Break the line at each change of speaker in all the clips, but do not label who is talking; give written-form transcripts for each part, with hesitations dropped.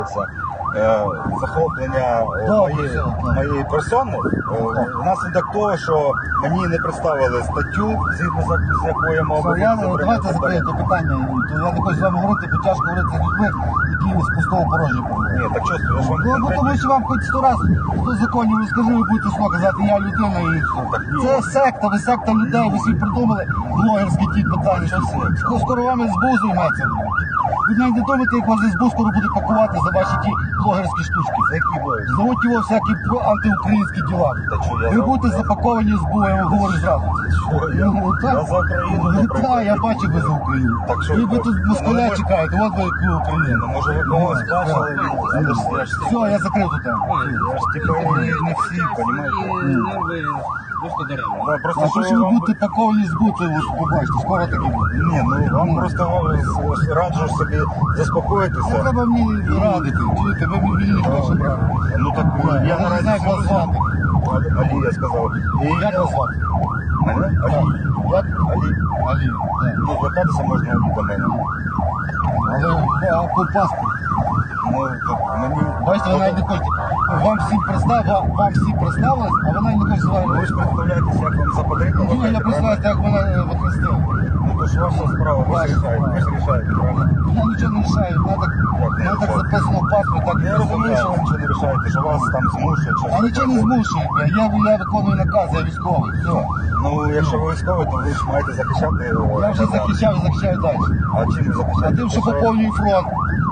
захоплення моєї персони внаслідок того, що мені не представили статтю, згідно з якою я мав бути.
Давайте закриєте питання. Я не хочу з вами говорити, бо тяжко говорити з людьми, які з пустого порожня.
Ні, так чесно, я ж вам
Ну, тому що вам хоч 100 разів 100 законів розкажи, ви будете слово казати, я людина і все. Це секта, ви секта людей, ви собі придумали блогерські ті питання. Скоро вам СБУ займеться. Ви навіть не думаєте, як вас СБУ скоро буде пакувати за ваші ті блогерські штучки.
За які блогери?
Зовуть його всякі антиукраїнські діла. Ви будете запаковані СБУ, я вам говорю зразу.
Я за Україну.
Так, я бачу ви за Україну. Ви тут москаля чекаєте, от ви яку Україну.
Може ви когось бачили?
Все, я закрив тут.
Я ж типу не всі, розумієте?
А то, що ви будете паковані СБУ, це ви побачите, скоро таки буде.
Ні, ну вам просто раджу собі заспокоїтися.
Треба мені радити, чуєте, ви мені ніхто що брати.
Ну так я наразі
знаю, як вас звати.
Алі, я сказав.
Як вас звати?
Мене? Алі.
Як?
Алі.
Алі, так.
Ну, звертатися можна до мене.
Але по паспорту.
Ну, мені...
Бачите, ви навіть не хочете. Вам всі представились, а ви навіть не хочете з вами.
Ви ж представляєтеся, як вам запотрібно.
Ну, я представляюся, як мене використали.
Ну, то ж ваша справа, ви ж рішаєте, правильно?
Я нічого не рішаю, мене так записано в паспорт, так
Я розумію, що ви нічого не рішаєте, що вас там змушують.
А нічого не змушують, я виконую наказ, я військовий, все.
Ну, якщо ви військовий, то ви ж маєте захищати.
Я вже захищаю і захищаю далі.
А чим ви
А
захищаєте?
тим, що поповнюю фронт.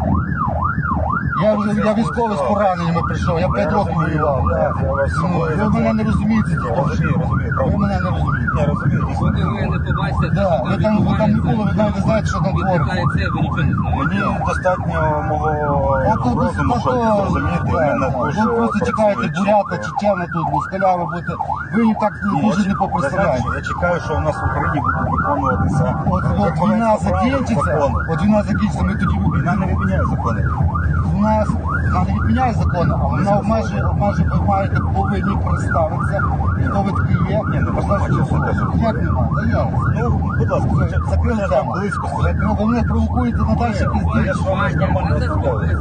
Я військовий з пораненнями прийшов, я 5 років воював. Ви мене не розумієте,
Розумію.
ви мене не розумієте.
Я розумію.
Поки ви не побачите,
Да, ви там не були, ви навіть не знаєте, що там твориться.
це, ви нічого не знаєте.
Мені достатньо мого розуму, щоб зрозуміти. Мене дуже
Ви просто чекаєте
працює
бурята,
чітко.
чечена тут, москаля, ви будете. Ви їх так дуже не попредставляєте.
Я чекаю, що у нас в Україні буде виконуватися
От війна закінчиться, ми тоді
Війна не відміняє закони.
вона не відміняє закони, а вона обмежує, ви маєте повинні представитися, хто ви такі є.
Ні, ну бачите, все теж.
Як нема? Та я.
Ну, будь ласка,
Закрили
там
тему.
близько стоїть.
Ви мене провокуєте на далі
Я
пізніше.
ж вам нормально розмовляю.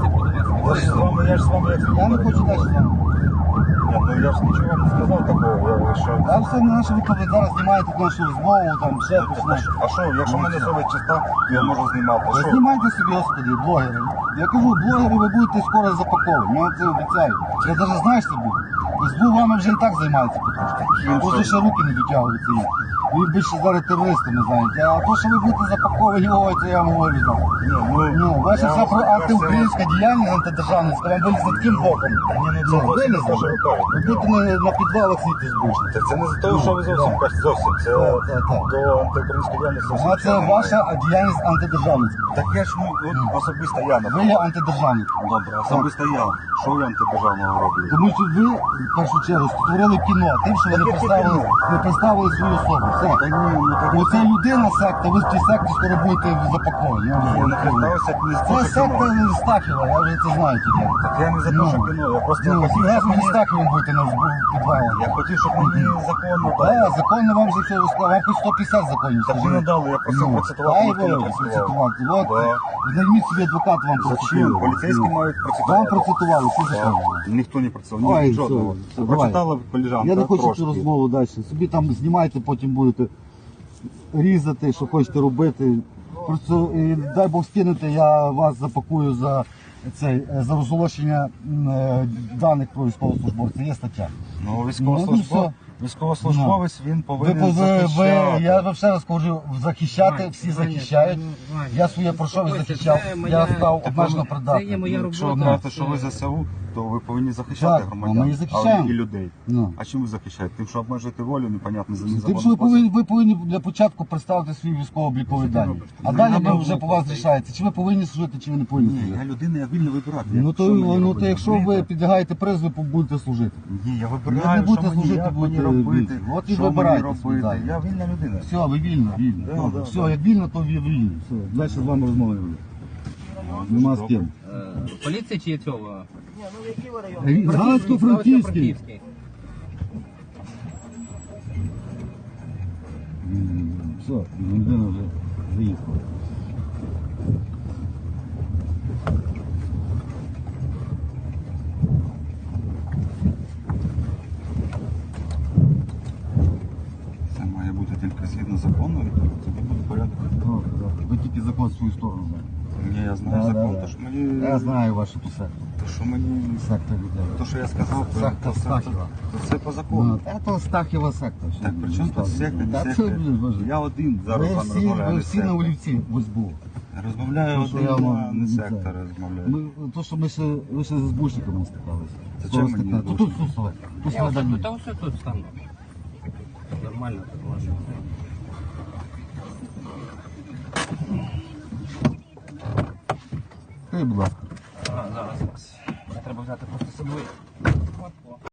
Я ж з вами як
Я не хочу далі з вами.
Ні, ну я ж нічого вам не сказав такого, що...
А все на наше ви зараз знімаєте нашу розмову, там ще щось.
А що, якщо в мене совість чиста, я можу знімати.
Ви
Що?
знімайте собі, господи, блогери. Я кажу, блогери ви будете скоро запаковані, я вам це обіцяю. Я навіть знаю, що буде. СБУ вами вже і так займається потрошки. Тут ще руки не дотягуються їм. Ви більше зараз терористами знаєте. А то, що ви будете запаковані, ой, це я вам говорю зараз. Ну, ваша вся про антиукраїнська діяльність, антидержавницька, вам вилізне таким боком.
Ні, це зовсім не те, що ви кажете.
Ви будете на підвалах сидіти збушні.
Це не за те, що ви зовсім кажете, зовсім. Це
Так.
до антиукраїнської діяльності.
А це ваша діяльність антидержавницька.
Так я ж, ну, особисто я,
Ви
наприклад.
є антидержавник.
Добре, особисто я. Що я антидержавного роблю?
Тому що ви, в першу чергу, створили кіно тим, що ви не представили свою особу. Все.
Та ні, ну так
Оце людина секта, ви в цій секті скоро будете запаковані. Я вже
я не
говорю.
представився не з
Це
того
секта
кіно.
Стахіва, я вже це знаю тільки.
Так я не за те, що кіно, я просто
Ну,
хотів,
разом
щоб
зі
мені...
Стахівим будете на підвалах.
Я хотів, щоб мені законно
Так,
дали.
законно вам вже все розказав, вам хоч 150 законів.
Так ви не дали, я просив процитувати, ніхто не процитував.
От,
Да.
знайміть собі адвокат, вам
Зачем?
процитував.
Поліцейські мають
Вам
процитувати.
процитували, що за що?
Ніхто не працював,
Ой,
ні,
все,
жодного.
все,
Прочитала колежанка
Я не хочу
трошки.
цю розмову далі. Собі там знімайте, потім будете різати, що хочете робити. Просто дай Бог скинете, я вас запакую за розголошення даних про військовослужбовця. Є стаття.
Ну,
все.
військовослужбовець, він повинен захищати.
Я вам ще раз кажу, захищати, всі захищають. Я своє пройшов і захищав. Я став обмежено
Це є
придатним.
моя
Якщо
робота.
брати, що ви ЗСУ, то ви повинні захищати
Так,
громадян,
ми і захищаємо.
і людей.
Ну.
А чим ви захищаєте? Тим, що обмежуєте волю, непонятно, за
Тим,
незаконний
що
спосіб.
ви повинні для початку представити свої військово-облікові дані. А далі ви вже по вас рішаєте, чи ви повинні служити, чи ви не повинні
Ні,
служити.
я людина, я вільно вибирати.
Ну
Що мені
то
робити?
якщо ви підлягаєте призову, будете служити.
Ні, я
Ви
вибираю,
не будете
що мені,
служити,
як мені
будете
робити,
вільні. От і
що мені
вибирайте собі
робити.
далі.
Я вільна людина.
Все, ви вільно.
Да.
Все, як вільно, то ви вільні. Все, далі з вами розмови не буде. Нема з ким.
Поліція чи цього?
Галицько-Франківський. Все, людина вже заїхала. свою сторону знаю.
Ні, я знаю
Да,
закон,
да,
то
да.
що мені...
Я знаю вашу ту секту.
То що мені...
Секта людей.
То, що я сказав,
Секта Стахіва.
то це по закону.
Ну, це Стахіва секта. що
Так,
ви
при чому тут
розказуєте?
секта,
Та
не
це,
секта?
блін, боже.
Я один зараз з вами розмовляю,
Ви
не
всі на
секта.
олівці в СБУ.
Розмовляю
То, що
один,
я вам
а не
обіцяю.
секта розмовляю.
То, що ви ще з СБУшниками стикалися.
Це
Скоро
чим мені
стикнете.
з
Тут сусове. Тут
Я ось
сюди
тут, та ось тут стану. Нормально так можна.
Будь ласка.
Зараз. Треба взяти просто собою.